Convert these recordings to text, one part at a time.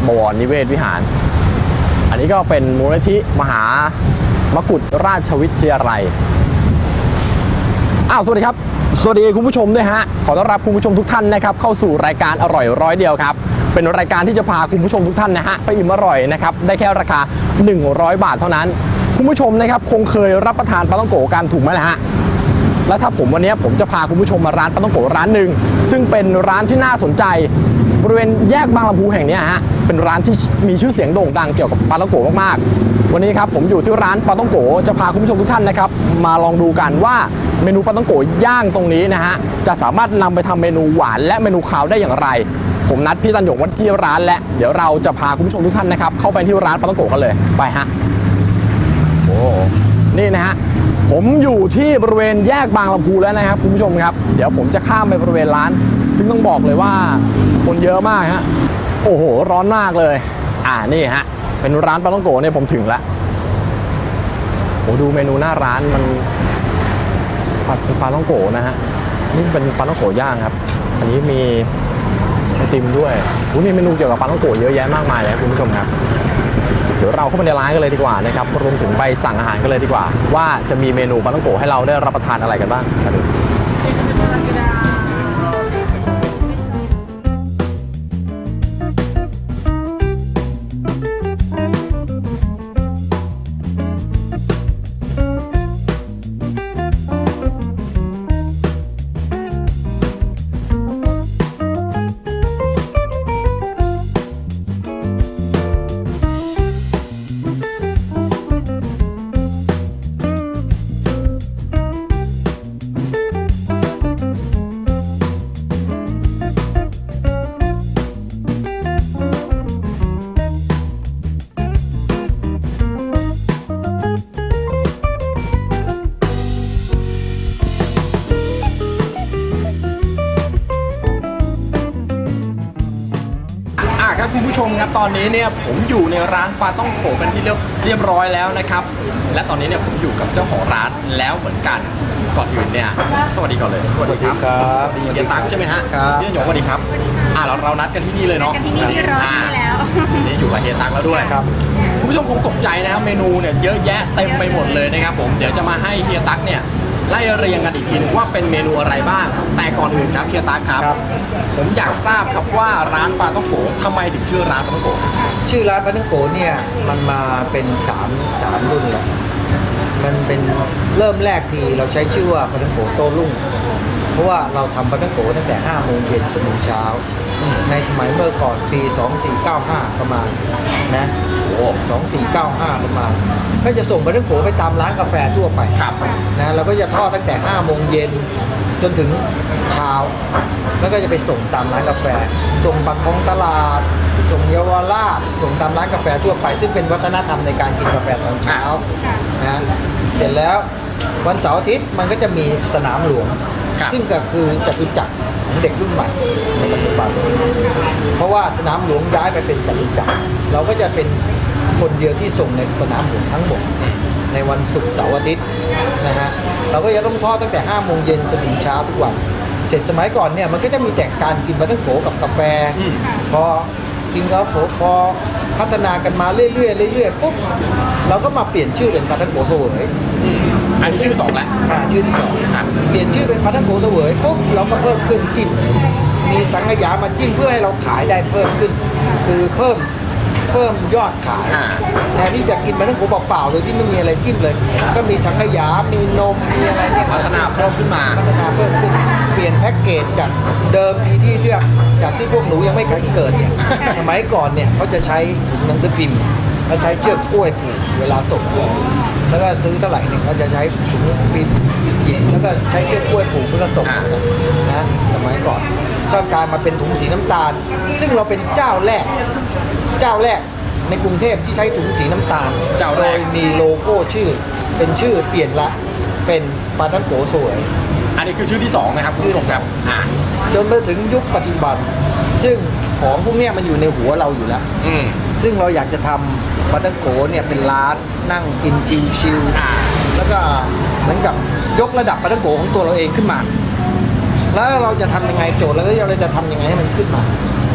บวรนิเวศวิหารอันนี้ก็เป็นมูลนิธิมหามกุฏราชวิทยาลัยสวัสดีครับสวัสดีคุณผู้ชมด้วยฮะขอต้อนรับคุณผู้ชมทุกท่านนะครับเข้าสู่รายการอร่อยร้อยเดียวครับเป็นรายการที่จะพาคุณผู้ชมทุกท่านนะฮะไปอิ่มอร่อยนะครับได้แค่ราคา100 บาทเท่านั้นคุณผู้ชมนะครับคงเคยรับประทานปลาท่องโกกันถูกไหมล่ะฮะแล้วถ้าวันนี้ผมจะพาคุณผู้ชมมาร้านปลาท่องโกร้านหนึ่งซึ่งเป็นร้านที่น่าสนใจบริเวณแยกบางลำพูแห่งนี้ฮะเป็นร้านที่มีชื่อเสียงโด่งดังเกี่ยวกับปลาท่องโกมากๆวันนี้ครับผมอยู่ที่ร้านปลาท่องโกจะพาคุณผู้ชมทุกท่านนะครับมาลองดูกันว่าเมนูปลาท่องโกย่างตรงนี้นะฮะจะสามารถนำไปทำเมนูหวานและเมนูคาวได้อย่างไรผมนัดพี่ตันหยงวันที่ร้านและเดี๋ยวเราจะพาคุณผู้ชมทุกท่านนะครับเข้าไปที่ร้านปลาท่องโกกันเลยไปฮะโอ้นี่นะฮะผมอยู่ที่บริเวณแยกบางลำพูแล้วนะครับคุณผู้ชมครับเดี๋ยวผมจะข้ามไปบริเวณร้านซึ่งต้องบอกเลยว่าคนเยอะมากฮะโอ้โหร้อนมากเลยนี่ฮะเป็นร้านปลาท่องโกเนี่ยผมถึงแล้วโอ้ดูเมนูหน้าร้านมันผัดเป็นปลาท่องโกนะฮะนี่เป็นปลาท่องโกย่างครับอันนี้มีไอติมด้วยมีเมนูเกี่ยวกับปลาท่องโกเยอะแยะมากมายเลยคุณผู้ชมครับเดี๋ยวเราเข้าไปในร้านกันเลยดีกว่านะครับรวมถึงไปสั่งอาหารกันเลยดีกว่าว่าจะมีเมนูปลาท่องโกให้เราได้รับประทานอะไรกันบ้างกันดูครับคุณผู้ชมครับตอนนี้เนี่ยผมอยู่ในร้านปลาท่องโกเป็นที่เรียบร้อยแล้วนะครับและตอนนี้เนี่ยผมอยู่กับเจ้าของร้านแล้วเหมือนกันก่อนอื่นเนี่ยสวัสดีก่อนเลยสวัสดีครับเฮียตั๊กใช่ไหมฮะพี่หยงสวัสดีครับเรานัดกันที่นี่เลยเนาะกันที่นี่ที่ร้านนี่แล้วนี่อยู่กับเฮียตั๊กแล้วด้วยครับคุณผู้ชมคงตกใจนะครับเมนูเนี่ยเยอะแยะเต็มไปหมดเลยนะครับผมเดี๋ยวจะมาให้เฮียตั๊กเนี่ยไล่เรียงกันอีกทีนึงว่าเป็นเมนูอะไรบ้างแต่ก่อนอื่นครับเฮียตั๊กครับผมอยากทราบครับว่าร้านปลาท่องโกทำไมถึงชื่อร้านปลาท่องโกชื่อร้านปลาท่องโกเนี่ยมันมาเป็น3รุ่นแล้วมันเป็นเริ่มแรกที่เราใช้ชื่อว่าปลาท่องโกโต้รุ่งเพราะว่าเราทำปลาท่องโกตั้งแต่5 โมงเย็นจนถึงเช้าในสมัยเมื่อก่อนปี2495ประมาณนะ2495ประมาณก็จะส่งปลาท่องโกไปตามร้านกาแฟทั่วไปนะเราก็จะทอดตั้งแต่5 โมงเย็นจนถึงเช้าแล้วก็จะไปส่งตามร้านกาแฟส่งปากคลองตลาดส่งเยาวราชส่งตามร้านกาแฟทั่วไปซึ่งเป็นวัฒนธรรมในการกินกาแฟตอนเช้านะเสร็จแล้ววันเสาร์อาทิตย์มันก็จะมีสนามหลวงซึ่งก็คือจตุจักรของเด็กรุ่นใหม่ในปัจจุบันเพราะว่าสนามหลวงย้ายไปเป็นจตุจักรเราก็จะเป็นคนเดียวที่ส่งในสนามหลวงทั้งหมดในวันศุกร์เสาร์อาทิตย์นะฮะเราก็จะต้องทอดตั้งแต่5 โมงเย็นจนถึงเช้าทุกวันเสร็จสมัยก่อนเนี่ยมันก็จะมีแต่การกินปลาท่องโกกับกาแฟพอกินแล้วพอพัฒนากันมาเรื่อยๆปุ๊บเราก็มาเปลี่ยนชื่อเป็นปลาท่องโกเสวยอันนี้ชื่อ2แล้วชื่อที่2เปลี่ยนชื่อเป็นปลาท่องโกเสวยปุ๊บเราก็เพิ่มเครื่องจิ้มมีสังขยามาจิ้มเพื่อให้เราขายได้เพิ่มขึ้นคือเพิ่มยอดขายแทนที่จะกินปลาท่องโกเปล่าๆโดยที่ไม่มีอะไรจิ้มเลยก็มีสังขยามีนมมีอะไรเนี่ยพัฒนาเพิ่มขึ้นเปลี่ยนแพ็กเกจจากเดิมที่จากที่พวกหนูยังไม่เคยเกิดเนี่ยสมัยก่อนเนี่ยเขาจะใช้ถุงหนังสือพิมพ์แล้วใช้เชือกกล้วยผูกเวลาส่งของแล้วก็ซื้อเท่าไหร่เนี่ยเขาจะใช้ถุงหนังสือพิมพ์หยิบแล้วก็ใช้เชือกกล้วยผูกเพื่อส่งนะสมัยก่อนก็กลายมาเป็นถุงสีน้ำตาลซึ่งเราเป็นเจ้าแรกในกรุงเทพที่ใช้ถุงสีน้ำตาลโดยมีโลโก้ชื่อเป็นชื่อเปลี่ยนละเป็นปลาท่องโกสวยอันนี้คือชื่อที่2นะครับคุณผู้ชมครับจนมาถึงยุคปัจจุบันซึ่งของพวกนี้มันอยู่ในหัวเราอยู่แล้วซึ่งเราอยากจะทำปลาท่องโกเนี่ยเป็นร้านนั่งกินชิลๆแล้วก็เหมือนกับยกระดับปลาท่องโกของตัวเราเองขึ้นมาแล้วเราจะทำยังไงโจทย์แล้วเราจะทำยังไงให้มันขึ้นมา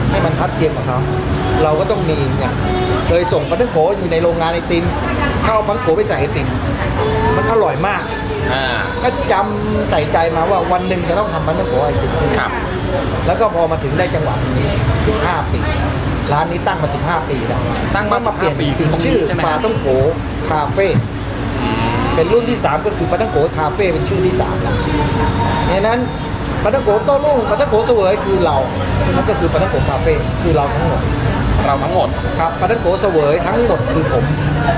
ให้มันทัดเทียมกับเขาเราก็ต้องมีเนี่ยเคยส่งปลาท่องโกอยู่ในโรงงานไอติมเข้าเอาปลาท่องโกไปใส่ไอติมมันอร่อยมากอ่าก็จำใส่ใจมาว่าวันหนึ่งจะต้องทำปลาท่องโกไอติมครับแล้วก็พอมาถึงได้จังหวะนี้15 ปีร้านนี้ตั้งมา15 ปีแล้วตั้งมาเปลี่ยน 15 ปีคือตรงนี้ชื่อใช่ไหมปลาท่องโกคาเฟ่เป็นรุ่นที่ 3 ก็คือปลาท่องโกคาเฟ่เป็นชื่อที่3แล้วดังนั้นปลาท่องโกโต้รุ่งปลาท่องโกเสวยคือเรามันก็คือปลาท่องโกคาเฟ่คือเราทั้งหมดเราทั้งหมดครับปลาท่องโกเสวยทั้งหมดคือผม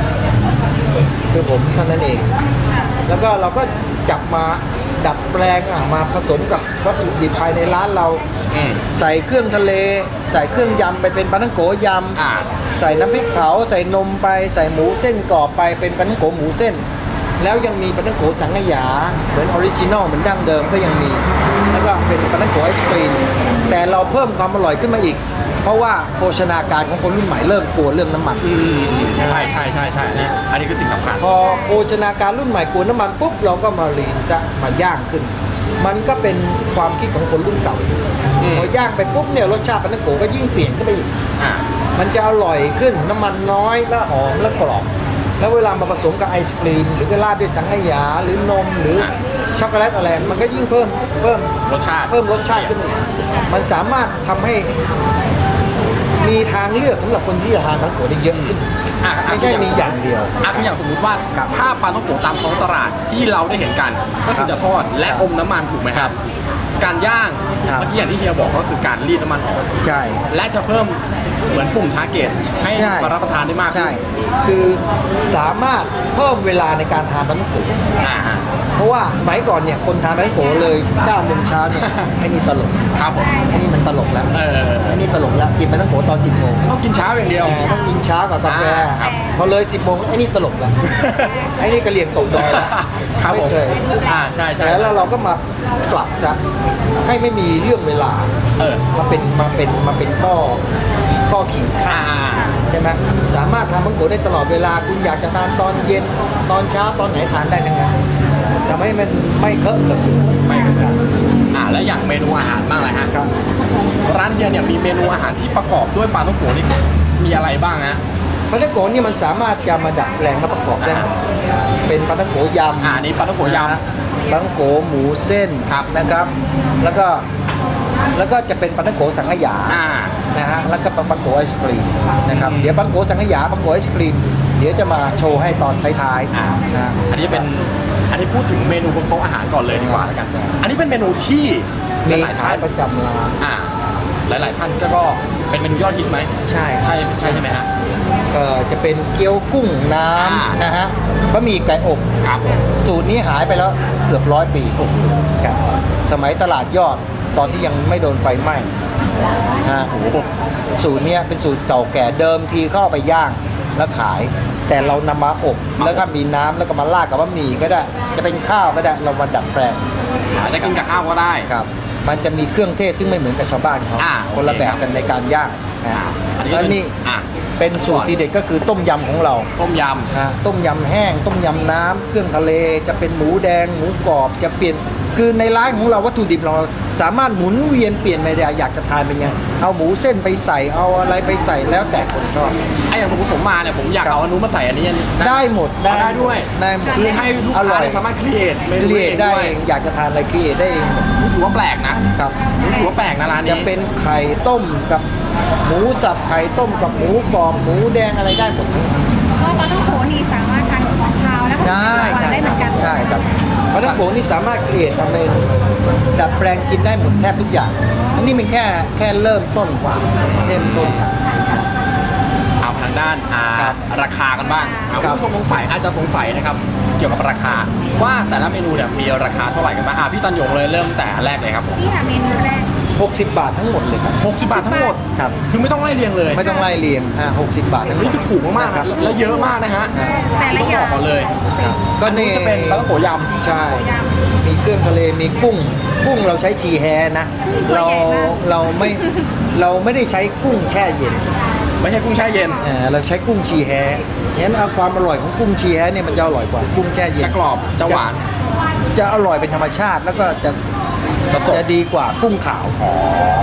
เท่านั้นเอง แล้วก็เราก็จับมาดัดแปลงมาผสมกับวัตถุดิบภายในร้านเราอืมใส่เครื่องทะเล ใส่เครื่องยำไปเป็นปลาท่องโกยอ่าำใส่น้ำพริกเผาใส่นมไปใส่หมูเส้นกรอบไปเป็นปลาท่องโกหมูเส้น แล้วยังมีปลาท่องโกสังขยาเหมือนออริจินอลเหมือนดั้งเดิมก็ยังมี แล้วก็เป็นปลาท่องโกไอศกรีมแต่เราเพิ่มความอร่อยขึ้นมาอีก เพราะว่าโภชนาการของคนรุ่นใหม่เริ่มกลัวเรื่องน้ำมันใช่ใช่ใช่ใช่เนี่ยอันนี้คือสิ่งสำคัญพอโภชนาการรุ่นใหม่กลัวน้ำมันปุ๊บเราก็มาลีนซะมาย่างขึ้น มันก็เป็นความคิดของคนรุ่นเก่าพอย่างไปปุ๊บเนี่ยรสชาติปลาท่องโกก็ยิ่งเปลี่ยนขึ้นไปอีกอ่ามันจะอร่อยขึ้นน้ำมันน้อยและหอมและกรอบแล้วเวลามาผสมกับไอศกรีมหรือก็ราดด้วยสังขยาหรือนมหรือช็อกโกแลตอะไรมันก็ยิ่งเพิ่มรสชาติรสชาติขึ้นอีกมันสามารถทำให้มีทางเลือกสำหรับคนที่จะทานปลาท่องโกได้เยอะขึ้นอ่ะไม่ใช่มีอย่างเดียวอ่ะคืออย่างสมมติว่าถ้าปลาท่องโกตามท้องตลาดที่เราได้เห็นกันก็คือจะทอดและอมน้ำมันถูกไหมครับ การย่างครับเมื่อกี้อย่างที่เฮียบอกก็คือการรีดน้ำมันออกใช่และจะเพิ่มเหมือนปุ่มทาร์เก็ตให้ใช่มารับประทานได้มากขึ้นใช่ คือสามารถเพิ่มเวลาในการทานปลาท่องโกอ่าฮะเพราะว่าสมัยก่อนเนี่ยคนทานปลาท่องโกเลย9 โมงเช้าเนี่ยไอ้นี่ตลกครับผมไอ้นี่มันตลกแล้วเออไอ้นี่ตลกแล้วกินปลาท่องโกตอน10 โมงต้องกินเช้าอย่างเดียวต้องกินเช้ากับกาแฟครับพอเลย 10 โมงไอ้นี่ตลกแล้วไอ้นี่กระเหลี่ยงตกดอยแล้วครับผมไม่เคยใช่ใช่แล้วเราก็มาปรับนะให้ไม่มีเรื่องเวลาเออมาเป็นข้อขีดค่าอ่าใช่ไหมสามารถทำมังโกได้ตลอดเวลาคุณอยากจะทานตอนเย็นตอนเช้าตอนไหนทานได้ทั้งนั้นทำให้มันไม่เคอะเขินไม่ครับแล้วอย่างเมนูอาหารบ้างเลยฮะครับร้านเฮียเนี่ยมีเมนูอาหารที่ประกอบด้วยปลาท่องโกนี่มีอะไรบ้างฮะปลาท่องโกนี่มันสามารถจะมาดัดแปลงมาประกอบได้หมดเป็นปลาท่องโกยำอันนี้ปลาท่องโกยำนะปลาท่องโกหมูเส้นครับนะครับ แล้วก็จะเป็นปลาท่องโกสังขยาอ่านะฮะแล้วก็ปลาท่องโกไอศกรีมนะครับเดี๋ยวปลาท่องโกสังขยาปลาท่องโกไอศกรีมเดี๋ยวจะมาโชว์ให้ตอนท้ายอ่าๆนะอันนี้เป็นอันนี้พูดถึงเมนูบนโต๊ะอาหารก่อนเลยดีกว่าแล้วกัน อันนี้เป็นเมนูที่มีหลายๆขาท่าย นประจำร้านหลายๆท่านก็เป็นเมนูยอดฮิตไหมใช่ใช่ใช่ไหมฮะจะเป็นเกี๊ยวกุ้งน้อ่าำนะฮะบะหมี่ไก่อบครับผมสูตรนี้หายไปแล้วเกือบ100 ปีครับสมัยตลาดยอดตอนที่ยังไม่โดนไฟไหม้นะฮะโอ้โหสูตรเนี้ยเป็นสูตรเก่าแก่เดิมทีเข้าเอาไปย่างแล้วขาย แต่เรานำมาอบแล้วก็มีน้ำแล้วก็มาราดกับบะหมี่ก็ได้จะเป็นข้าวก็ได้เรามาดัดแปลงจะกินกับข้าวก็ได้ครับ มันจะมีเครื่องเทศซึ่งไม่เหมือนกับชาวบ้านเขา คนละแบบกันในการย่างนะอันนี้แล้วเป็นนี่อ่ะเป็นสูตรทีเด็ดก็คือต้มยำของเราต้มยต้มยำแห้ง ต้มยำน้ำเครื่องทะเลจะเป็นหมูแดงหมูกรอบจะเปลี่ยนคือในร้านของเราวัตถุดิบเราสามารถหมุนเวียนเปลี่ยนไปได้อยากจะทานเป็นไงเอาหมูเส้นไปใส่เอาอะไรไปใส่แล้วแต่คนชอบำอย่างสมมติผมมาเนี่ยผมอยากเอาอันนู้นมาใส่อันนี้นะได้หมดได้ด้วยได้หมดคือให้ลูกอค้าร่อยเนี่ยสามารถครีเอทเมนูเรียเองได้ด้วยเองอยากจะทานอะไรครีเอทได้เองนี่ถือว่าแปลกนะครับ นี่ถือว่าแปลกนะร้านจะนี้เป็นไข่ต้มกับหมูสับไข่ต้มกับหมูกรอบหมูแดงอะไรได้หมดทั้งนั้นเพราะปลาท่องโกนี่สามารถทานของคาวและของหวานได้เหมือนกันใช่ครับปลาท่องโกนี่สามารถเกลี่ยทำเป็นดัดแปลงกินได้หมดแทบทุกอย่าง อันนี้เป็นแค่เริ่มต้นกว่าเริ่มต้นเอาทางด้านครับราคากันบ้างครัคุบณผู้ชมสงสัยอาจจะสงสัยนะครับเกี่ยวกับราคา ว่าแต่ละเมนูเนี่ยมีราคาเท่าไหร่กันบ้างพี่ตันยงเลยเริ่มแต่แรกเลยครับผมที่หาเมนูแรก 60 บาททั้งหมดเลยครับ 60 บาททั้งหมดครับคือไม่ต้องไล่เรียงเลยไม่ต้องไล่เรียง60 บาททั้งหมดนี่คือถูกมากๆครันะบแล้วเยอะมากนะฮะแต่ละต้องอบ ย่าอง กก่อนเลยก็อันนี่นี้จะเป็นปลาท่องโกยำใช่ มีเครื่องทะเลมีกุ้งเราใช้ชีแฮนะ เราไม่ได้ใช้กุ้งแช่เย็นไม่ใช่กุ้งแช่เย็นเราใช้กุ้งชีแฮงั้นเอาความอร่อยของกุ้งชีแฮเนี่ยมันจะอร่อยกว่ากุ้งแช่เย็นจะกรอบจะหวานจะอร่อยเป็นธรรมชาติแล้วก็จะจะสดดีกว่ากุ้งขาวอ๋อ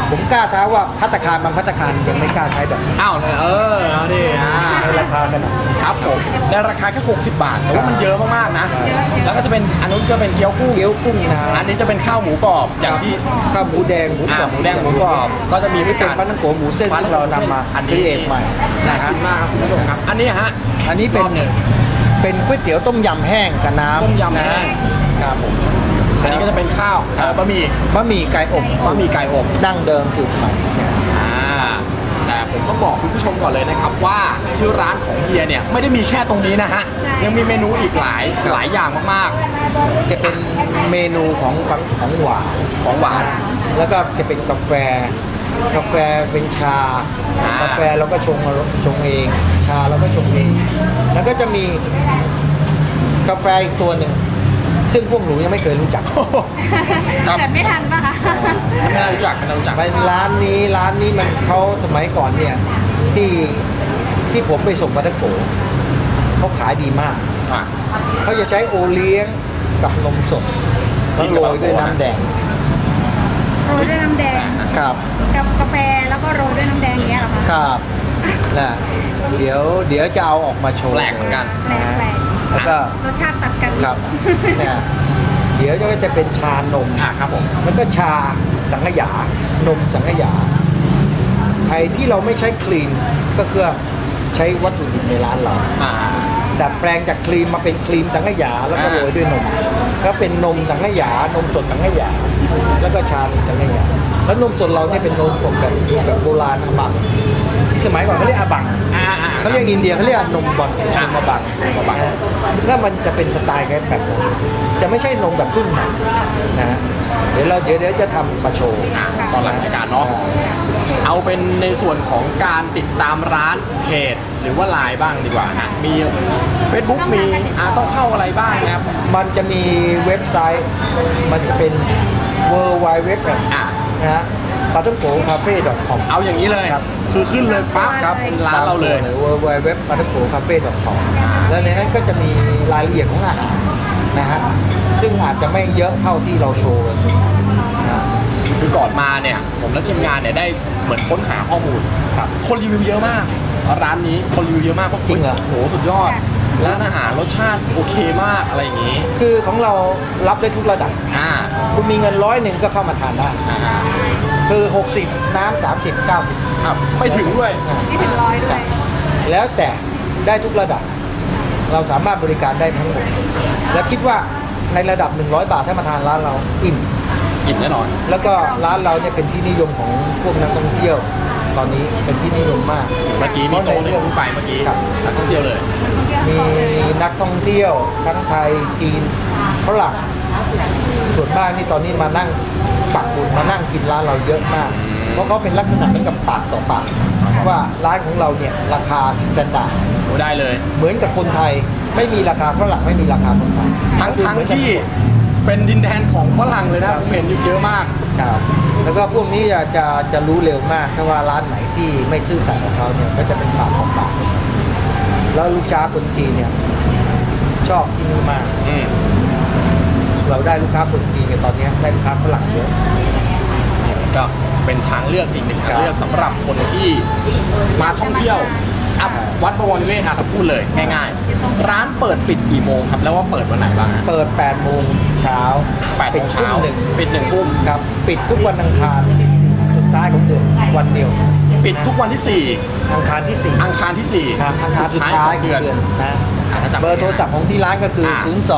ผมกล้าท้าว่าภัตตาคารบางภัตตาคารยังไม่กล้าใช้แบบนี้อ้าวเลยเอาดิในราคาขนาดนี้ครับผมในราคาแค่60 บาทแต่ว่ามันเยอะมากๆนะ แล้วก็จะเป็นอันนู้นก็เป็นเกี๊ยวกุ้งเกี๊ยวกุ้งนาอันนี้จะเป็นข้าวหมูกรอบอย่างที่ข้าวหมูแดงหมูกรอบหมูแดงหมูกรอบก็จะมีนี่เป็นปลาท่องโกหมูเส้นที่เรานำมาอันครีนี้เอทใหม่น่านะฮะกินมากครับคุณผู้ชมครับอันนี้ฮะอันนี้เป็นรอบหนึ่งเป็นก๋วยเตี๋ยวต้มยำแห้งกับน้ำต้มยำแห้งครับผมอันนี้ก็จะเป็นข้าวบะหมี่บะหมี่ไก่อบบะหมี่ไก่อบดั้งเดิมสูตรใหม่แต่ผมต้องบอกคุณผู้ชมก่อนเลยนะครับว่าที่ร้านของเฮียเนี่ยไม่ได้มีแค่ตรงนี้นะฮะยังมีเมนูอีกหลายอย่างมากจะเป็นเมนูของหวานๆของหวานแล้วก็จะเป็นกาแฟเป็นชา กาแฟเราก็ชงเอง ชาเราก็ชงเอง แล้วก็จะมีกาแฟอีกตัวหนึ่งซึ่งพวกหนูยังไม่เคยรู้จักครับเกิดไม่ทันป่ะคะไม่น่ารู้จักเป็นร้านนี้มันเขาสมัยก่อนเนี่ยที่ผมไปส่งปาทังโกเขาขายดีมากอ่ะเขาจะใช้โอเลี้ยงกับนมสดแล้วโรยด้วยน้ำแดงโรยด้วยน้ำแดงครับกับกาแฟแล้วก็โรยด้วยน้ำแดงอย่างเงี้ยเหรอคะครับนะเดี๋ยวจะเอาออกมาโชว์แปลกเหมือนกันแปลกแล้วก็ๆรสชาติตัดกันครับเนี่ยเดี๋ยวก็จะเป็นชานมครับผมแล้วก็ชาสังขยานมสังขยาไอ้ที่เราไม่ใช้ครีมก็คือใช้วัตถุดิบในร้านเราอ่าดัดแปลงจากครีมมาเป็นครีมสังขยาแล้วก็โรยด้วยนมก็เป็นนมสังขยานมสดสังขยาแล้วก็ชานมสังขยาแล้วนมสดเราเนี่ยเป็นนมสดแบบโบราณอาบังที่สมัยก่อนเขาเรียกอาบังเขาเรียกอินเดียเขาเรียกนมบอลนมอาบังถ้ามันจะเป็นสไตล์แบบนั้นจะไม่ใช่นมแบบรุ่นใหม่นะฮะเดี๋ยวจะทำมาโชว์ตอนหลังรายการเนาะเอาเป็นในส่วนของการติดตามร้านเพจหรือว่าไลน์บ้างดีกว่าฮะมี Facebook มีต้องเข้าอะไรบ้างนะครับมันจะมีเว็บไซต์มันจะเป็น w w w นะฮะปาท่องโกคาเฟ่ .com เอาอย่างนี้เลยครับคือขึ้นเลยปั๊บครับเป็นร้านเราเลย w w w ปาท่องโกคาเฟ่ .com แล้วในนั้นก็จะมีรายละเอียดของอาหารนะฮะซึ่งอาจจะไม่เยอะเท่าที่เราโชว์กันนะคือก่อนมาเนี่ยผมและทีมงานเนี่ยได้เหมือนค้นหาข้อมูลครับคนรีวิวเยอะมากร้านนี้คนรีวิวเยอะมากเพราะจริงเหรอโหสุดยอดร้านอาหารรสชาติโอเคมากอะไรอย่างนี้คือของเรารับได้ทุกระดับ คุณมีเงิน100ก็เข้ามาทานได้ คือ 60 น้ำ30 90 ครับไม่ถึงด้วยไม่ถึงร้อยด้วยแล้วแต่ได้ทุกระดับ เราสามารถบริการได้ทั้งหมด และคิดว่าในระดับ 100 บาทถ้ามาทานร้านเราอิ่มกินแน่นอนแล้วก็ร้านเราเนี่ยเป็นที่นิยมของพวกนักท่องเที่ยว ตอนนี้เป็นที่นิยมมากเมื่อกี้มีโต๊ะหนึ่งขึ้นไปเมื่อกี้ครับนักท่องเที่ยวเลยมีนักท่องเที่ยวทั้งไทยจีนฝรั่งส่วนมากนี่ตอนนี้มานั่งปักบุญมานั่งกินร้านเราเยอะมาก เพราะเขาเป็นลักษณะเหมือนกับปากต่อปากว่าร้านของเราเนี่ยราคาสแตนดาร์ดโอ้ได้เลยเหมือนกับคนไทยไม่มีราคาฝรั่งไม่มีราคาคนไทยทั้งคือเหมือนกันที่เป็นดินแดนของฝรั่งเลยนะผมเห็นอยู่เยอะมากครับแล้วก็พวกนี้จะรู้เร็วมากถ้าว่าร้านไหนที่ไม่ซื่อสัตย์กับเขาเนี่ยก็จะเป็นปากต่อปากแล้วลูกค้าคนจีนเนี่ยชอบที่นี่มาก เราได้ลูกค้าคนจีนเนี่ยตอนนี้ได้ลูกค้าฝรั่งเยอะก็เป็นทางเลือกอีกหนึ่งทางเลือกสำหรับคนที่มาท่องเที่ยววัดบวรนิเวศถ้าพูดเลยง่ายๆ ร้านเปิดปิดกี่โมงครับแล้วว่าเปิดวันไหนบ้างฮะเปิด8โมงเช้า 8 ปิดโมงทุ่เช้ามหนึ่งปิด1 ทุ่มครับปิดทุกวันอังคารที่4สุดท้ายของเดือนวันเดียวปิดทุกวันที่อังคารที่ 4 อังคารที่ 4ครับอังคารสุดท้ายขขออง งเดืเดืออน นนะถ้าจำเบอร์โทรศัพท์ของที่ร้านก็คือ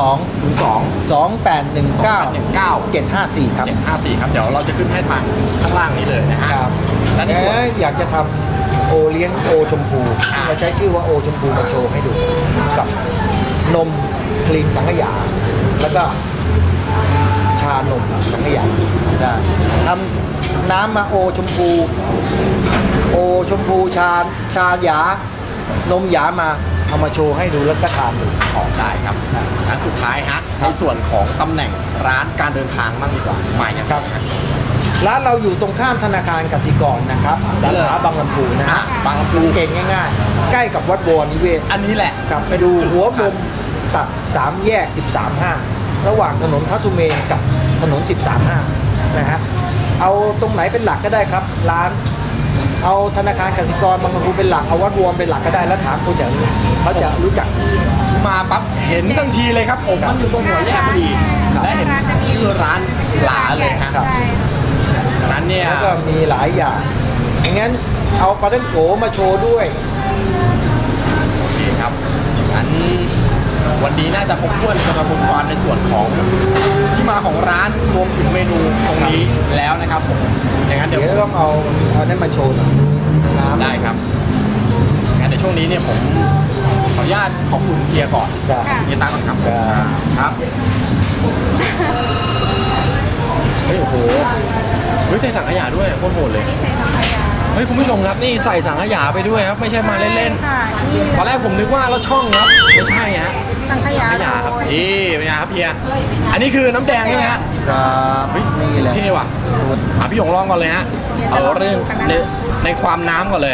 2819 02819 754 ครับ 754 ครับ เดี๋ยวเราจะขึ้นให้ทางข้างล่างนี้เลยนะฮะครับและในส่วนอยากจะทำโอเลี้ยงโอชมพูเราใช้ชื่อว่าโอชมพูมาโชว์ให้ดูกับนมครีมสังขยา แล้วก็ชานมสังขยาได้ทำน้ำมาโอชมพูชาหยานมหยามาเอามาโชว์ให้ดูแล้วก็ทานดูออกได้ครับและสุดท้ายฮะในส่วนของตำแหน่งร้านการเดินทางบ้างดีกว่าหมายยังครับ ร้านเราอยู่ตรงข้ามธนาคารกสิกรนะครับสาขาบางลำพูนะฮะบางลำพูเก่งง่ายๆ ใกล้กับวัดบวรนิเวศอันนี้แหละครับไปดูหัวมุมตัด3แยก13 ห้างระหว่างถนนพระสุเมนกับถนน13 ห้างนะฮะเอาตรงไหนเป็นหลักก็ได้ครับ ร้าน เอาธนาคารกสิกรบางลำพูเป็นหลักเอาวัดรวมเป็นหลักก็ได้แล้วถามคนแถวนี้เขาจะรู้จักมาปั๊บเห็นทันทีเลยครับผมมันอยู่ตรงหัวแยกพอดีครับและเห็นชื่อร้านหลาเลยฮะครับใช่ฉะนั้นเนี่ยแล้วก็มีหลายอย่างอย่างนั้นเอาปลาท่องโกมาโชว์ด้วยโอเคครับงั้นวันนี้น่าจะครบถ้วนสำหรับคุณกรในส่วนของที่มาของร้านรวมถึงเมนูตรงนี้แล้วนะครับผมอย่างนั้นเดี๋เดี๋ยยว วต้องเอานั่นมาโชว์หน่อยน้ำได้ครับงั้นในช่วงนี้เนี่ยผมขออนุญาตขอบคุณเฮียก่อนจ้ะเฮียตั้งก่อนครับจ้ะครับเฮ้ยโอ้โหเฮ้ยใส่สังขยาด้วยโคตรโหดเลยใส่สังขยาเฮ้ยคุณผู้ชมครับนี่ใส่สังขยาไปด้วยครับไม่ใช่มาเล่นค่ะนี่ๆตอนแรกผมนึกว่าเราช่องครับไม่ใช่ฮะสังขยาสังขยาครับโรยนี่เป็นไงครับเฮียอันนี้คือน้ำแดงใช่ไหมฮะครับนี่แหละเท่ว่ะพี่หยงลองก่อนเลยฮะเอาเรื่องในความน้ำก่อนเลย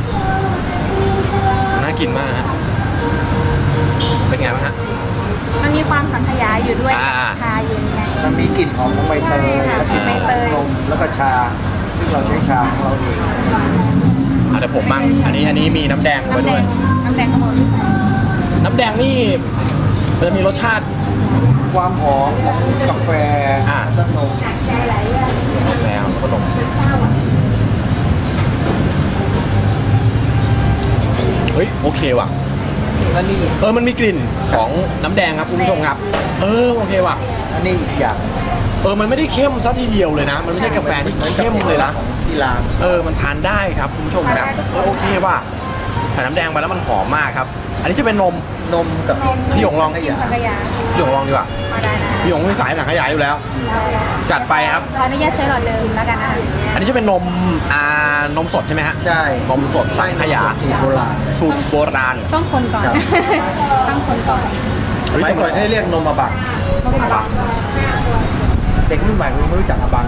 น่ากินมากฮะเป็นไงบ้างฮะมันมีความสังขยาอยู่ด้วยอ่าชาอยู่ไงมันมีกลิ่นหอมของใบเตยใช่ค่ะและกลิ่นใบเตยนมแล้วก็ชา ซึ่งเราใช้ชาของเราเองเดี๋ยวผมมั่งอันนี้มีน้ำแดงไว้น้ำแดด้วยงน้ำแดงก็หมดน้ำแดงนี่มันจะมีรสชาติความหอมของกาแฟอ่าและนมแล้วขนมเฮ้ยโอเคว่ะและนี่มันมีกลิ่นของน้ำแดงครับคุณผู้ชมครับโอเคว่ะอันนี้อีกอย่างมันไม่ได้เข้มซะทีเดียวเลยนะ มันไม่ใช่กาแฟที่เข้มเลยนะที่ร้านมันทานได้ครับคุณผู้ชมครับโอเคว่ะใส่น้ำแดงไปแล้วมันหอมมากครับ อันนี้จะเป็นนมนมกับพี่หยงลองขยะสังขยาพี่หยงลองดีกว่ามาได้นะพี่หยงมีสายหนังขยายอยู่แล้ว จัดไปครับขออนุญาตใช้หลอดเดิมแล้วกันนะคะอันนี้จะเป็นนมนมสดใช่ไหมฮะใช่นมสดสังขยาสูตรโบราณสูตรโบราณต้องคนก่อนครับต้องคนก่อนสมัยก่อนให้เรียกนมอาบังต้องคนก่อนเด็กรุ่นใหม่ไม่รู้จักอาบัง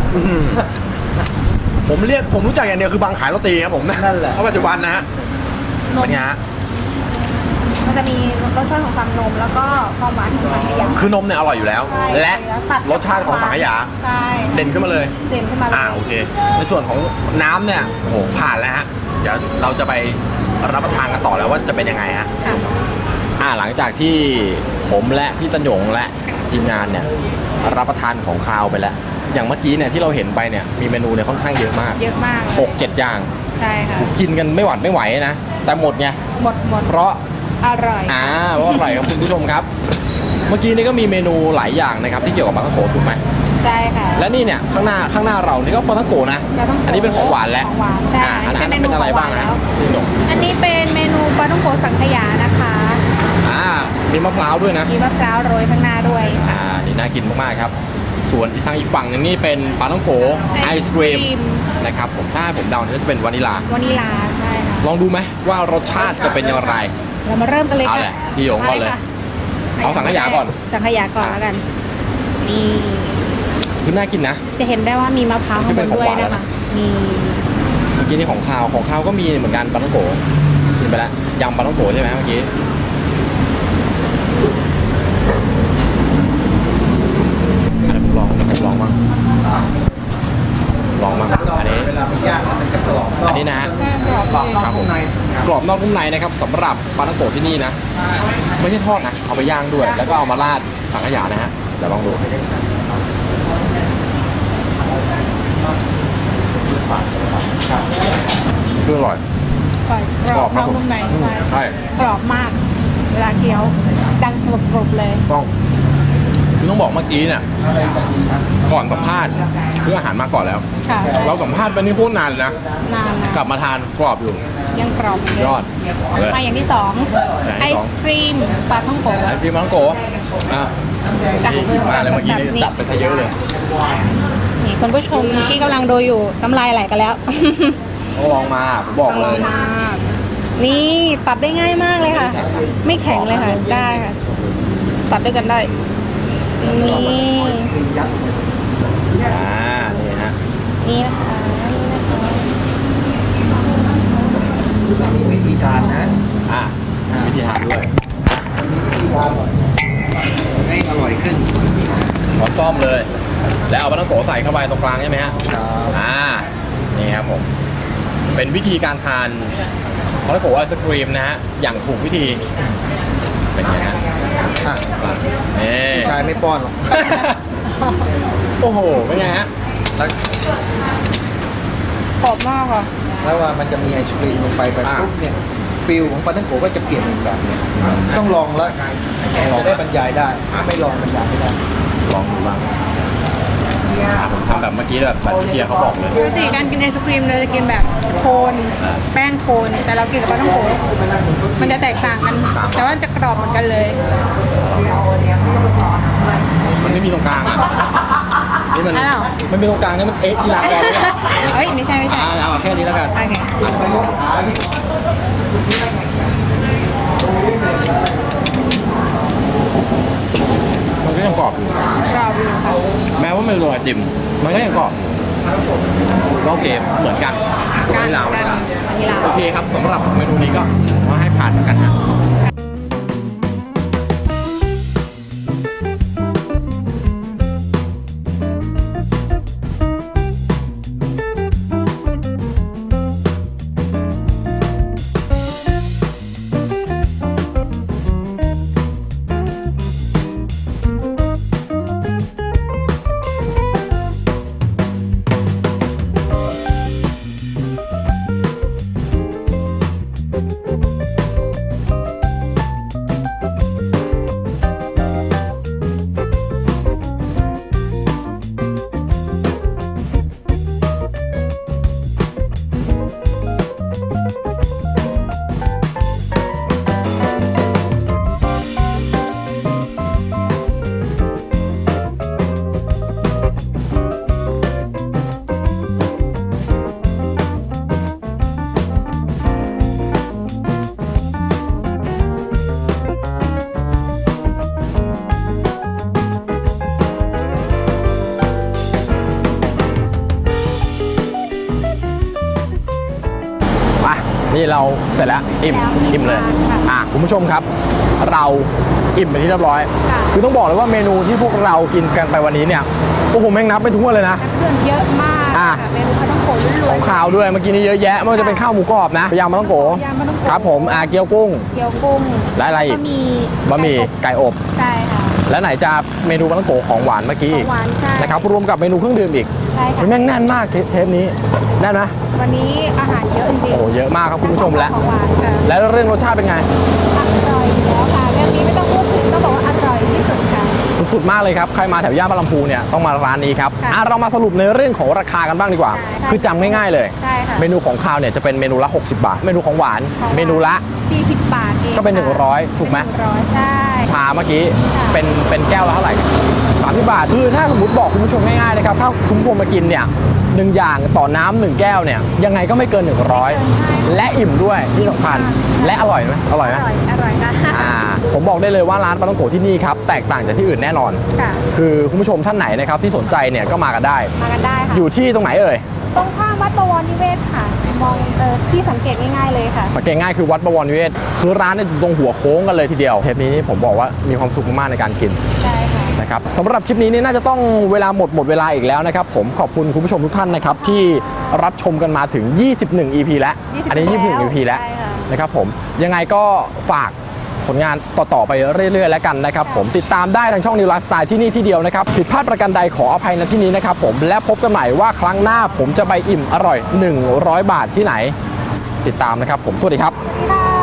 ผมรู้จักอย่างเดียวคือบางขายโรตีครับผมนั่นแหละเพราะปัจจุบันนะฮะนมเป็นไงฮะมันจะมีรสชาติของความนมแล้วก็ความหวานของสังขยาคือนมเนี่ยอร่อยอยู่แล้วใช่และตัดรสชาติของสังขยาใช่เด่นขึ้นมาเลยเด่นขึ้นมาเลยโอเค ในส่วนของน้ำเนี่ยโอ้โหผ่านแล้วฮะ เดี๋ยวเราจะไปรับประทานกันต่อแล้วว่าจะเป็นยังไงฮะค่ะหลังจากที่ผมและพี่ตันหยงและทีมงานเนี่ยรับประทานของคาวไปแล้ว อย่างเมื่อกี้เนี่ยที่เราเห็นไปเนี่ยมีเมนูเนี่ยค่อนข้างเยอะมากเยอะมาก 6-7 อย่างใช่ค่ะกินกันไม่หวัดไม่ไหวนะ แต่หมดไงหมดเพราะอร่อยเพราะอร่อยครับคุณผู้ชมครับ เมื่อกี้นี่ก็มีเมนูหลายอย่างนะครับที่เกี่ยวกับปลาท่องโกถูกไหมใช่ค่ะและนี่เนี่ยข้างหน้าเรานี่ก็ปลาท่องโกนะปลาท่องโกอันนี้เป็นของหวานแล้วของหวานใช่อันนั้นเป็นเมนูเป็นอะไรบ้างของหวานนะแล้วพี่หยงอันนี้เป็นเมนูปลาท่องโกสังขยานะคะมีมะพร้าวด้วยนะมีมะพร้าวโรยข้างหน้าด้วยค่ะนี่น่ากินมากๆครับ ส่วนที่ทางอีกฝั่งหนึงนี่เป็นปลาท่องโกไอศครีมนะครับผมถ้าให้ผมเดาเนี่ยจะเป็นวานิลาวานิลาใช่ค่ะลองดูไหมว่ารสชาติจะเป็นอย่างไรเรามาเริ่มกันเลยเอาค่ะแหละพี่หยงก่อนเลยค่ะเอาสังขยาก่อนสังขยาก่อนแล้วกัน นี่คือน่ากินนะจะเห็นได้ว่ามีมะพร้าวข้างบนด้วยนะคะมีเมื่อกี้นี่ของข้าวก็มีเหมือนกันปลาท่องโกกินไปแล้วยำปลาท่องโกใช่ไหมเมื่อกี้เดี๋ยวผมลองบ้างอันนี้เวลามันย่างมันจะกรอบอันนี้นะฮะกรอบครับผมกรอบนอกนุ่มในนะครับสำหรับปลาท่องโกที่นี่นะ ไม่ใช่ทอดนะ เอาไปย่างด้วย แล้วก็เอามาราดสังขยานะฮะเดี๋ยวลองดูคืออร่อยกรอบนอกผมนุ่มในใช่กรอบมาก เวลาเคี้ยวดังกรุบๆเลยคือต้องบอกเมื่อกี้เนี่ยก่อนสัมภาษณ์คืออาหารมาก่อนแล้วค่ะเราสัมภาษณ์ไปนี่โคตรนานเลยนะนานนะกลับมาทานกรอบอยู่ยังกรอบเลยยอดเลยมาอย่างที่สองอย่างที่ไอสองศครีมปลาท่องโกไอพี่มังโกอ่ะจ้ะมาเลยเมื่อกี้นี่แบบนี้จัดไปซะเยอะเลยนี่คุณผู้ชมที่กำลังดูอยู่น้ำลายไหลกันแล้วต้องลองมาผมบอกเลยมากนี่ตัดได้ง่ายมากเลยค่ะ ไม่แข็งเลยค่ะ ได้ค่ะ ตัดด้วยกันได้ นี่นี่ฮะนี่นะคะนี่นะคะวิธีทานนะวิธีทานด้วยวิธีทานหน่อยให้อร่อยขึ้นขอซ่อมเลยแล้วเอาปลาท่องโกใส่เข้าไปตรงกลางใช่ไหมฮะนี่ครับผมเป็นวิธีการทานปลาท่องโกไอศครีมนะฮะอย่างถูกวิธีเป็นไงฮะนี่ชายไม่ป้อนหรอกโอ้โหเป็นไงฮะแล้วกรอบมากค่ะแล้วว่ามันจะมีไอศครีมลงไปปุ๊บเนี่ยฟิลของปลาท่องโกก็จะเปลี่ยนเป็นแบบนี้ต้องลองแล้วจะได้บรรยายได้ไม่ลองบรรยายไม่ได้ลองดูบ้างผมทำแบบเมื่อกี้แบบที่เฮียเขาบอกเลยปกติการกินไอศครีมเราจะกินแบบโคนแป้งโคนแต่เรากินกับปลาท่องโกมันจะแตกต่างกัน แต่ว่าจะกรอบเหมือนกันเลยมันไม่มีตรงกลางอ่ะนี่มันอ้าวมันมีตรงกลางนี่มันจิรากรเลยอ่ะเฮ้ยไม่ใช่เอาแค่นี้แล้วกันโอเคมันก็ยังกรอบอยู่กรอบอยู่ค่ะแม้ว่ามันเป็นโรยไอติมมันก็ยังกรอบก็โอเคเหมือนกันการไม่ลาวการกีฬาโอเคครับสำหรับเมนูนี้ก็ว่าให้ผ่านแล้วกันฮะมานี่เราเสร็จแล้วอิ่มเลยคุณผู้ชมครับ เราอิ่มไปที่เรียบร้อย คือต้องบอกเลยว่าเมนูที่พวกเรากินกันไปวันนี้เนี่ยโอ้โหแม่งนับไปทั่วเลยนะเครื่องเยอะมากค่ะเมนูปลาท่องโกล้วนๆของข้าวด้วยเมื่อกี้นี้เยอะแยะไม่ว่าจะเป็นข้าวหมูกรอบนะยำมะต้องโกยำมะต้องโกครับผมเกี๊ยวกุ้งเกี๊ยวกุ้งและอะไรอีก บะหมี่ไก่อบใช่ค่ะและไหนจะเมนูมะต้องโกของหวานเมื่อกี้ขออีงกหวานใช่นะครับรวมกับเมนูเครื่องดื่มอีกใช่ค่ะแม่งแน่นมากเทปนี้แน่นไหมวันนี้อาหารเยอะจริงโอ้โหเยอะมากครับคุณผู้ชมและของหวานค่ะแล้วเรื่องรสชาติเป็นไงอร่อยอยู่แล้วค่ะเรื่องนี้ไม่ต้องพูดถึงต้องบอกว่าอร่อยที่สุดค่ะสุดๆมากเลยครับใครมาแถวย่านบางลำพูเนี่ยต้องมาร้านนี้ครับค่ะเรามาสรุปในเรื่องของราคากันบ้างดีกว่าใช่คือจำง่ายๆเลยใช่ค่ะเมนูของคาวเนี่ยจะเป็นเมนูละ 60 บาท เมนูของหวานของหวานเมนูละ 40 บาทเองก็เป็นค่ะ 100ถูกไหม 100ใช่ชาเมื่อกี้ค่ะเป็นแก้วละเท่าไหร่30 บาทคือถ้าสมมติบอกคุณผู้ชมง่ายๆนะครับถ้าคุณผู้ชมมากินเนี่ย1อย่างต่อน้ำ1แก้วเนี่ยยังไงก็ไม่เกิน 100 และอิ่มด้วยที่สำคัญและอร่อยไหมอร่อยไหมอร่อยค่ะผมบอกได้เลยว่าร้านปลาท่องโกที่นี่ครับแตกต่างจากที่อื่นแน่นอนค่ะคือคุณผู้ชมท่านไหนนะครับที่สนใจเนี่ยก็มากันได้มากันได้ค่ะอยู่ที่ตรงไหนเอ่ยตรงข้ามวัดบวรนิเวศค่ะ มองที่สังเกตง่ายๆเลยค่ะสังเกตง่ายคือวัดบวรนิเวศคือร้านเนี่ยอยู่ตรงหัวโค้งกันเลยทีเดียวเทปนี้นี่ผมบอกว่ามีความสุขมากๆในการกินใช่ค่ะนะครับสำหรับคลิปนี้นี่น่าจะต้องเวลาหมดเวลาอีกแล้วนะครับผมขอบคุณคุณผู้ชมทุกท่านนะครับที่รับชมกันมาถึง 21 EP แล้ว อันนี้ 21 EP แล้วใช่ค่ะนะครับผมยังไงก็ฝากผลงานต่อๆไปเรื่อยๆแล้วกันนะครับผมติดตามได้ทางช่อง New Lifestyle ที่นี่ที่เดียวนะครับผิดพลาดประการใดขออภัยณที่นี้นะครับผมและพบกันใหม่ว่าครั้งหน้าผมจะไปอิ่มอร่อย100 บาทที่ไหน ติดตามนะครับผมสวัสดีครับค่ะ